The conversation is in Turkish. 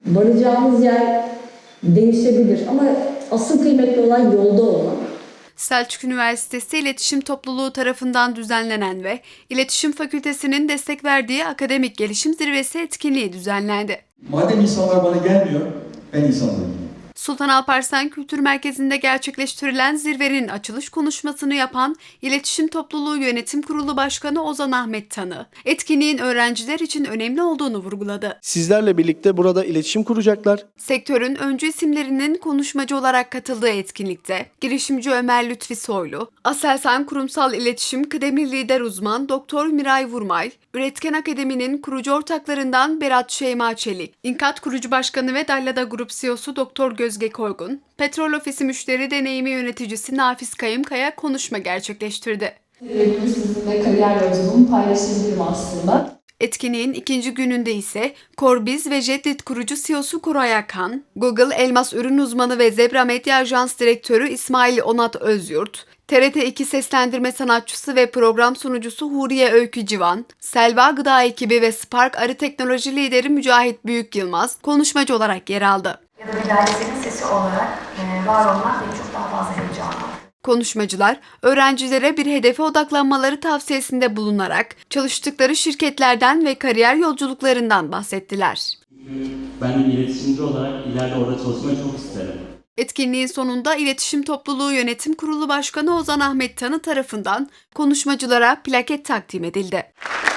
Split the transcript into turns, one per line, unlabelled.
Varacağımız yer değişebilir ama asıl kıymetli olan yolda olmak.
Selçuk Üniversitesi İletişim Topluluğu tarafından düzenlenen ve İletişim Fakültesi'nin destek verdiği akademik gelişim zirvesi etkinliği düzenlendi.
Madem insanlar bana gelmiyor, ben insanlara gideyim.
Sultan Alparslan Kültür Merkezi'nde gerçekleştirilen zirvenin açılış konuşmasını yapan İletişim Topluluğu Yönetim Kurulu Başkanı Ozan Ahmet Tanı, etkinliğin öğrenciler için önemli olduğunu vurguladı.
Sizlerle birlikte burada iletişim kuracaklar.
Sektörün öncü isimlerinin konuşmacı olarak katıldığı etkinlikte girişimci Ömer Lütfi Soylu, Aselsan Kurumsal İletişim Kıdemli Lider Uzman Doktor Miray Vurmay, Üretken Akademi'nin kurucu ortaklarından Berat Şeyma Çelik, İnkat Kurucu Başkanı ve Dallada Grup CEO'su Doktor Gözge Koygun, Petrol Ofisi Müşteri Deneyimi Yöneticisi Nafiz Kayımkaya konuşma gerçekleştirdi.
Sizinle kariyer yolculuğumu paylaşabilirim aslında.
Etkinliğin ikinci gününde ise Corbiz ve Jetlit kurucu CEO'su Koray Akan, Google Elmas Ürün Uzmanı ve Zebra Medya Ajans Direktörü İsmail Onat Özyurt, TRT2 seslendirme sanatçısı ve program sunucusu Huriye Öykü Civan, Selva Gıda ekibi ve Spark Arı Teknoloji lideri Mücahit Büyük Yılmaz konuşmacı olarak yer aldı.
Ya da bir dairesinin sesi olarak var olmak beni çok daha fazla heyecanlandırdı.
Konuşmacılar, öğrencilere bir hedefe odaklanmaları tavsiyesinde bulunarak çalıştıkları şirketlerden ve kariyer yolculuklarından bahsettiler.
Ben bir iletişimci olarak ileride orada çalışmayı çok isterim.
Etkinliğin sonunda İletişim Topluluğu Yönetim Kurulu Başkanı Ozan Ahmet Tanı tarafından konuşmacılara plaket takdim edildi.